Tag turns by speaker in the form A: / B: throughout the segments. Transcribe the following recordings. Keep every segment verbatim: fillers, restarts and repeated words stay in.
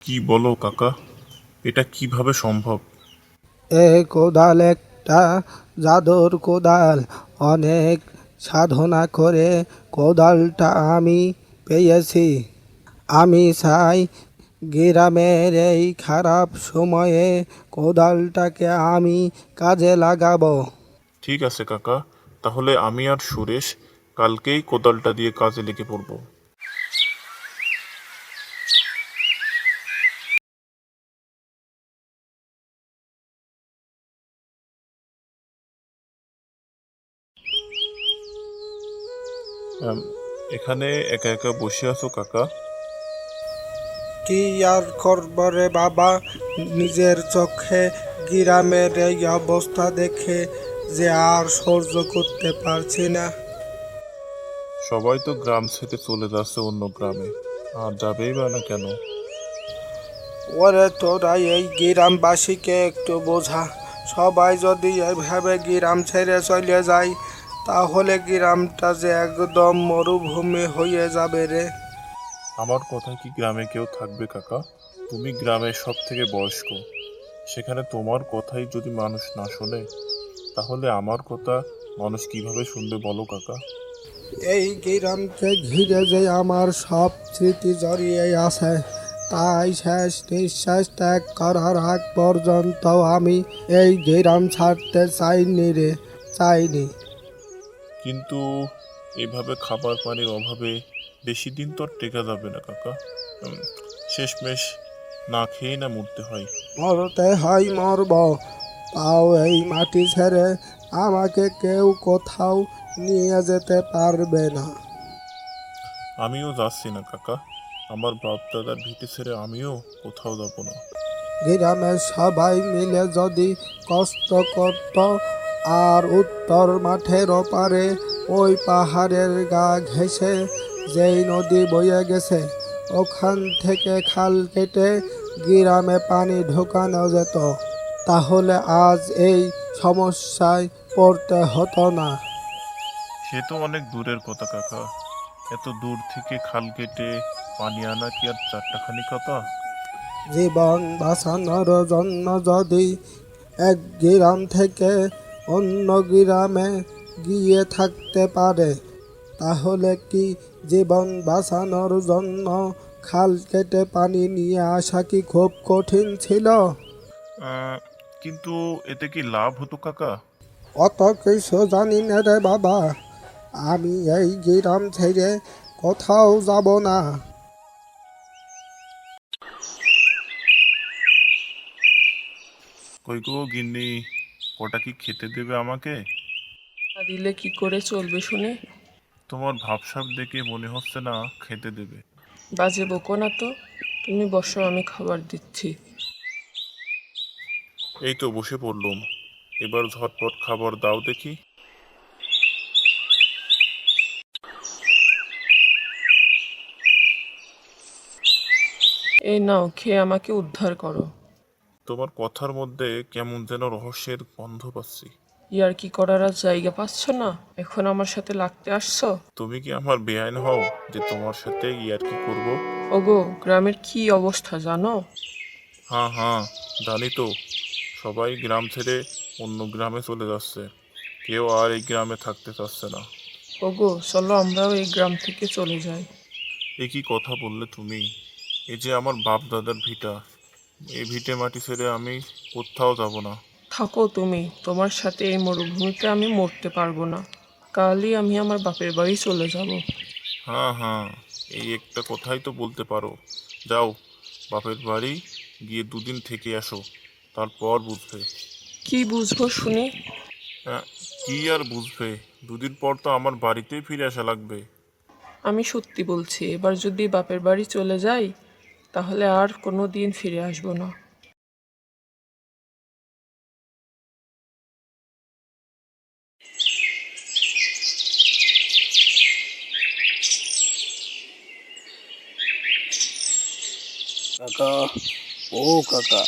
A: কি বলো কাকা? এটা কিভাবে সম্ভব?
B: এ কোদাল একটা জাদুর কোদাল। অনেক সাধনা করে কোদালটা আমি পেয়েছি। আমি চাই গ্রামের এই খারাপ সময়ে কোদালটাকে আমি কাজে লাগাবো।
A: ঠিক আছে কাকা, তাহলে আমি আর সুরেশ কালকেই কোদালটা দিয়ে কাজে লেগে পড়বো। আম, এখানে একা একা বসে আছো কাকা?
B: কি আর করব রে বাবা, নিজের চোখে গ্রামের এই অবস্থা দেখে যে আর সহ্য করতে পারছি না।
A: সবাই তো গ্রাম ছেড়ে চলে যাচ্ছে অন্য গ্রামে, আর যাবেই বা না কেন?
B: ওরে তোরা এই গ্রামবাসীকে একটু বোঝা। সবাই যদি এভাবে গ্রাম ছেড়ে চলে যায় তাহলে গ্রামটা যে একদম মরুভূমি হয়ে যাবে রে।
A: আমার কথা কি গ্রামে কেউ থাকবে কাকা? তুমি গ্রামের সব থেকে বয়স্ক, সেখানে তোমার কথাই যদি মানুষ না শোনে তাহলে আমার কথা মানুষ কিভাবে শুনবে বলো কাকা?
B: এই গ্রামকে ঘিরে যে আমার সব স্মৃতি জড়িয়ে আছে, তাই শেষ নিঃশ্বাস ত্যাগ করার আগ পর্যন্ত আমি এই গ্রাম ছাড়তে চাইনি রে, চাইনি।
A: কিন্তু এভাবে খাবার পানির অভাবে বেশি দিন তো আর টেকা যাবে না কাকা। উম, শেষমেশ না খেয়ে না মরতে হয়।
B: মরতে হয় মরব, তাও এই মাটি ছেড়ে আমাকে কেউ কোথাও নিয়ে যেতে পারবে না।
A: আমিও যাচ্ছি না কাকা, আমার বাপ দাদার ভিটে ছেড়ে আমিও কোথাও যাব না।
B: গ্রামের সবাই মিলে যদি কষ্ট করত আর উত্তর মাঠের ওপারে ওই পাহাড়ের গা ঘেঁষে যেই নদী বয়ে গেছে ওখান থেকে খাল কেটে গ্রামে পানি ঢোকানো যেত, তাহলে আজ এই সমস্যায় পড়তে হতো না।
A: সে তো অনেক দূরের কথা কাকা, এত দূর থেকে খাল কেটে পানি আনা কি আর চারটাখানি কথা?
B: জীবন বাঁচানোর জন্য যদি এক গ্রাম থেকে অন্য গ্রামে গিয়ে থাকতে পারে তাহলে কি জীবন বাঁচানোর জন্য খাল কেটে পানি নিয়ে আসা কি খুব কঠিন ছিল?
A: আহ, কিন্তু এতে কি লাভ হতো কাকা?
B: অত কিছু জানি না রে বাবা, আমি এই গ্রাম ছেড়ে কোথাও যাব না।
A: কই গো গিন্নি, কটা কি খেতে দেবে আমাকে?
C: না দিলে কি করে চলবে শুনে?
A: তোমার ভাবসাব দেখে মনে হচ্ছে না খেতে দেবে।
C: বাজে বকো না তো, তুমি বসো, আমি খাবার দিচ্ছি।
A: এই তো বসে পড়লুম, এবার ঝটপট খাবার দাও দেখি।
C: এই নাও, খেয়ে আমাকে উদ্ধার করো।
A: তোমার কথার মধ্যে কেমন যেন রহস্যের গন্ধ পাচ্ছি।
C: ইয়ার কি করার আর জায়গা পাচ্ছ না? এখন আমার সাথে লাগতে আসছো?
A: তুমি কি আমার বেআইন হও যে তোমার সাথে ইয়ার্কি করব?
C: ওগো, গ্রামের কি অবস্থা জানো?
A: হ্যাঁ হ্যাঁ, জানি তো। সবাই গ্রাম ছেড়ে অন্য গ্রামে চলে যাচ্ছে, কেউ আর এই গ্রামে থাকতে চাচ্ছে না।
C: ওগো চলো আমরাও এই গ্রাম থেকে চলে যাই।
A: এ কি কথা বললে তুমি? এই যে আমার বাপ দাদার ভিটা, এই ভিটে মাটি ছেড়ে আমি কোথাও যাব না।
C: থাকো তুমি, তোমার সাথে এই মরুভূমিতে আমি মরতে পারবো না। কালই আমি আমার বাপের বাড়ি চলে যাব।
A: হ্যাঁ হ্যাঁ, এই একটা কথাই তো বলতে পারো। যাও, বাপের বাড়ি গিয়ে দুদিন থেকে আসো, তারপর বুঝবে।
C: কি বুঝবো শুনি?
A: হ্যাঁ, কি আর বুঝবে? দুদিন পর তো আমার বাড়িতেই ফিরে আসা লাগবে।
C: আমি সত্যি বলছি, এবার যদি বাপের বাড়ি চলে যাই তাহলে আর কোনো দিন ফিরে আসবো না।
B: কাকা, ও কাকা।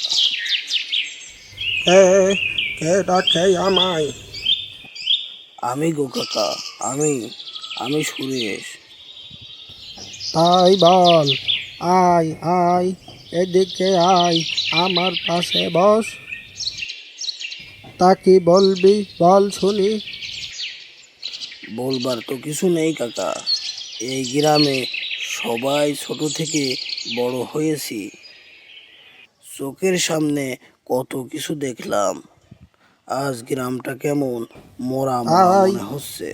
B: কে কে ডাকে আমায়?
D: আমি গো কাকা, আমি আমি সুরেশ।
B: তাই বল, আয় আয়, এদিকে আয়, আমার পাশে বস। তা কি বলবি বল শুনি।
D: বলবার তো কিছু নেই কাকা, এই গ্রামে সবাই ছোট থেকে বড় হয়েছি, চোখের সামনে কত কিছু দেখলাম। আজ গ্রামটা কেমন মরা মরা
B: আয়,
D: মনে হচ্ছে।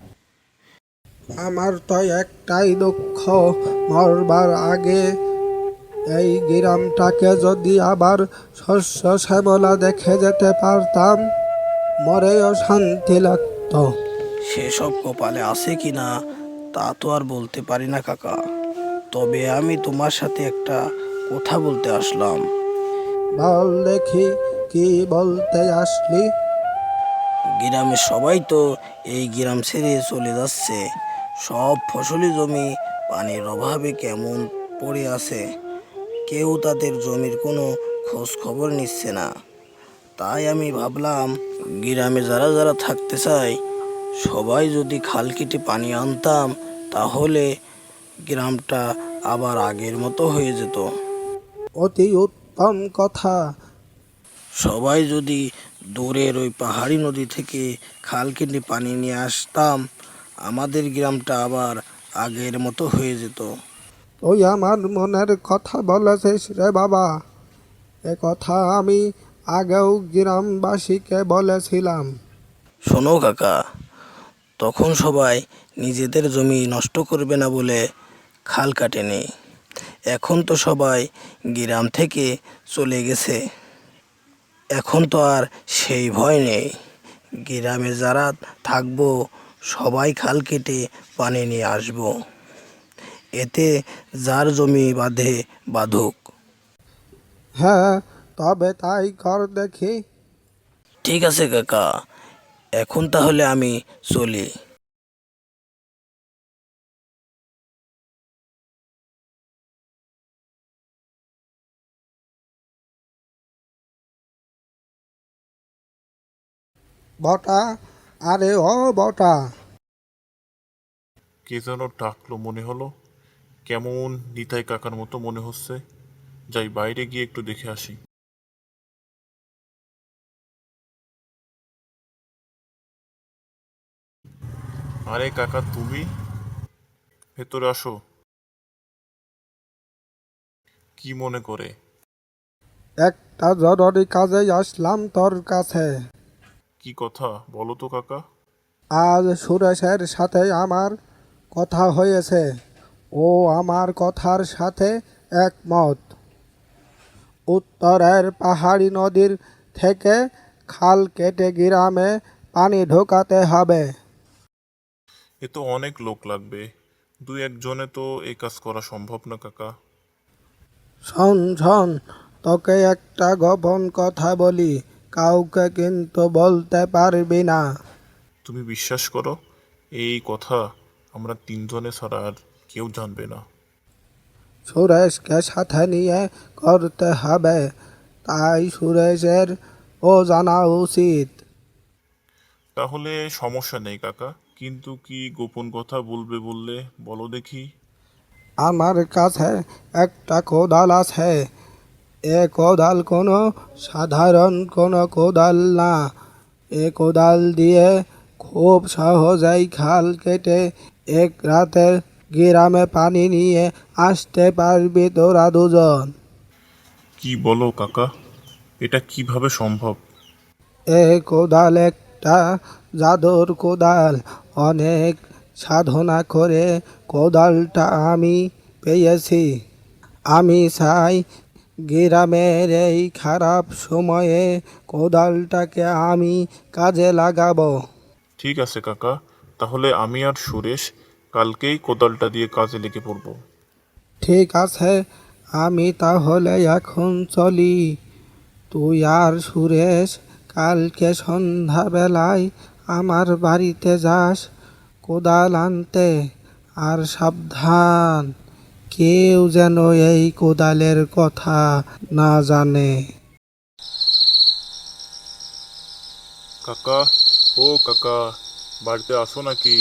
B: আমার তো একটাই দুঃখ, মরবার আগে এই গ্রামটাকে যদি আবার শস্য শ্যামলা দেখে যেতে পারতাম, মরেও শান্তি লাগতো।
D: সেসব কপালে আছে কি না তা তো আর বলতে পারি না কাকা, তবে আমি তোমার সাথে একটা কথা বলতে আসলাম।
B: বল দেখি, কি বলতে আসলি?
D: গ্রামের সবাই তো এই গ্রাম ছেড়ে চলে যাচ্ছে, সব ফসলি জমি পানির অভাবে কেমন পড়ে আছে, কেউ তাদের জমির কোনো খোঁজ খবর নিচ্ছে না। তাই আমি ভাবলাম গ্রামে যারা যারা থাকতে চায় সবাই যদি খাল কেটে পানি আনতাম, তাহলে গ্রামটা আবার আগের মতো হয়ে যেত।
B: অতি উত্তম কথা।
D: সবাই যদি দূরের ওই পাহাড়ি নদী থেকে খাল কেটে পানি নিয়ে আসতাম, আমাদের গ্রামটা আবার আগের মতো হয়ে যেত।
B: তুই আমার মনের কথা বলেছিস রে বাবা। এ কথা আমি আগেও গ্রামবাসীকে বলেছিলাম।
D: শোনো কাকা, তখন সবাই নিজেদের জমি নষ্ট করবে না বলে খাল কাটেনি। এখন তো সবাই গ্রাম থেকে চলে গেছে, এখন তো আর সেই ভয় নেই। গ্রামে যারা থাকবো সবাই খাল কেটে পানি নিয়ে আসবো, এতে যার জমি বাঁধে বাঁধুক।
B: হ্যাঁ, তবে তাই কর দেখি।
D: ঠিক আছে কাকা, এখন তাহলে আমি চলি।
B: বটা, আরে ও বটা।
A: কে যেন ডাকলো মনে হলো, কেমন নিতাই কাকার মতো মনে হচ্ছে। যাই বাইরে গিয়ে একটু দেখে আসি। আরে কাকা তুমি, ভেতরে আসো। কি মনে করে?
B: একটা জরুরি কাজে আসলাম তোর কাছে।
A: কি কথা বলো তো কাকা।
B: আজ সুরেশের সাথে আমার কথা হয়েছে, ও আমার কথার সাথে একমত। উত্তরের পাহাড়ি নদীর থেকে খাল কেটে গ্রামে পানি ঢোকাতে হবে।
A: এ তো অনেক লোক লাগবে, দুই একজনে তো এই কাজ করা সম্ভব না কাকা।
B: শোন শোন, তোকে একটা গোপন কথা বলি, কাউকে কিন্তু বলতে পারবি না।
A: তুমি বিশ্বাস করো, এই কথা আমরা তিনজনে ছাড়া আর কেউ জানবে না।
B: সুরেশকে সাথে নিয়ে করতে হবে, তাই সুরেশের ও জানা উচিত।
A: তাহলে সমস্যা নেই কাকা, কিন্তু কি গোপন কথা বলবে বললে বলো দেখি।
B: আমার কাছে একটা কোদাল আছে। এ কোদাল কোনো সাধারণ কোনো কোদাল না। এ কোদাল দিয়ে খুব সহজেই খাল কেটে এক রাতে গ্রামে পানি নিয়ে আসতে পারবি তোরা দুজন।
A: কি বলো কাকা, এটা কিভাবে সম্ভব?
B: এ কোদাল একটা জাদুর কোদাল। অনেক সাধনা করে কোদালটা আমি পেয়েছি। আমি চাই গ্রামের এই খারাপ সময়ে কোদালটাকে আমি কাজে লাগাবো।
A: ঠিক আছে কাকা, তাহলে আমি আর সুরেশ কালকেই কোদালটা দিয়ে কাজে লেগে পড়ব।
B: ঠিক আছে, আমি তাহলে এখন চলি। তুই আর সুরেশ কালকে সন্ধ্যাবেলায় আমার বাড়িতে যাস কোদাল আনতে। আর সাবধান, কেউ যেন এই কোদালের কথা না জানে।
A: কাকা, ও কাকা, বাড়িতে আসো নাকি?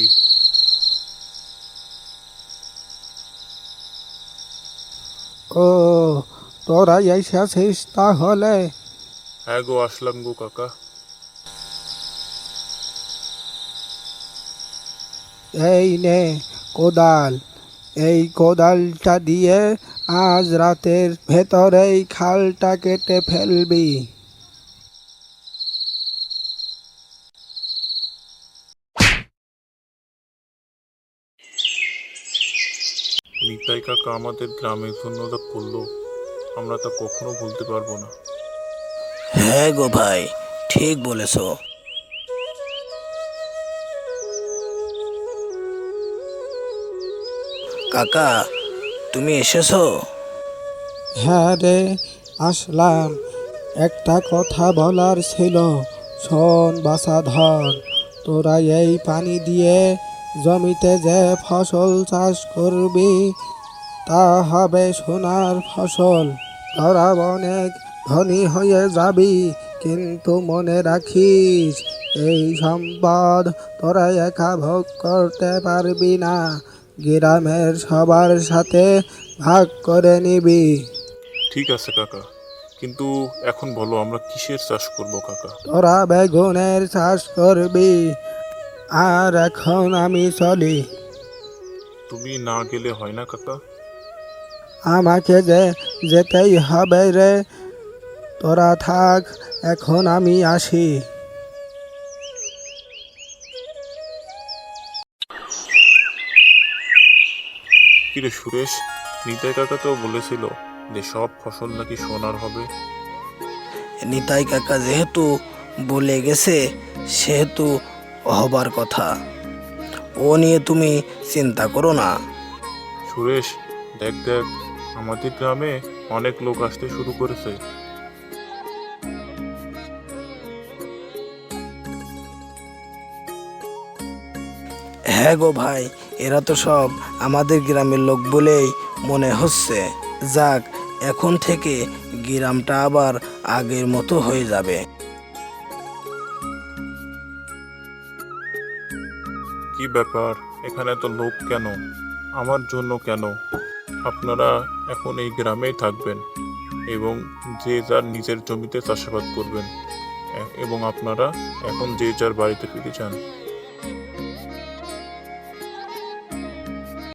B: ও, তোরা এসেছিস তাহলে?
A: হ্যাঁ গো, আসলাম গো কাকা।
B: এই নে কোদাল, এই কোদালটা দিয়ে আজ রাতের ভেতরেই খালটা কেটে ফেলবি।
A: নিতাই কাকা আমাদের গ্রামের জন্য যা করলো, আমরা তা কখনো ভুলতে পারবো না।
D: হ্যাঁ গো ভাই, ঠিক বলেছ। কাকা, তুমি এসেছো?
B: হ্যাঁ রে, আসলাম। একটা কথা বলার ছিল, শোন বাসাধর। তোরা এই পানি দিয়ে জমিতে যে ফসল চাষ করবি তা হবে সোনার ফসল। তোরা অনেক ধনী হয়ে যাবি, কিন্তু মনে রাখিস এই সম্পদ তোরা একা ভোগ করতে পারবি না, গ্রামের সবার সাথে ভাগ করে নিবি।
A: ঠিক আছে কাকা, কিন্তু এখন বলো আমরা কিসের চাষ করব কাকা?
B: তোরা বেগুনের চাষ করবি। আর এখন আমি চলি,
A: তুমি না গেলে হয় না কাকা?
B: আমাকে যে যেতেই হবে রে। তোরা থাক, এখন আমি আসি।
A: কিরে সুরেশ, নিতাই কাকা তো বলেছিল যে সব ফসল নাকি সোনার হবে।
D: নিতাই কাকা যেহেতু বলে গেছে, সেহেতু হবার কথা। ও নিয়ে তুমি চিন্তা করো না।
A: সুরেশ, দেখ দেখ, আমাদের গ্রামে অনেক লোক আসতে শুরু করেছে।
D: হ্যাঁ গো ভাই, এরা তো সব আমাদের গ্রামের লোক বলেই মনে হচ্ছে। যাক, এখন থেকে গ্রামটা আবার আগের মতো হয়ে যাবে।
A: কি ব্যাপার, এখানে তো লোক কেন? আমার জন্য কেন? আপনারা এখন এই গ্রামেই থাকবেন এবং যে যার নিজের জমিতে চাষাবাদ করবেন, এ- এবং আপনারা এখন যে যার বাড়িতে ফিরে যান।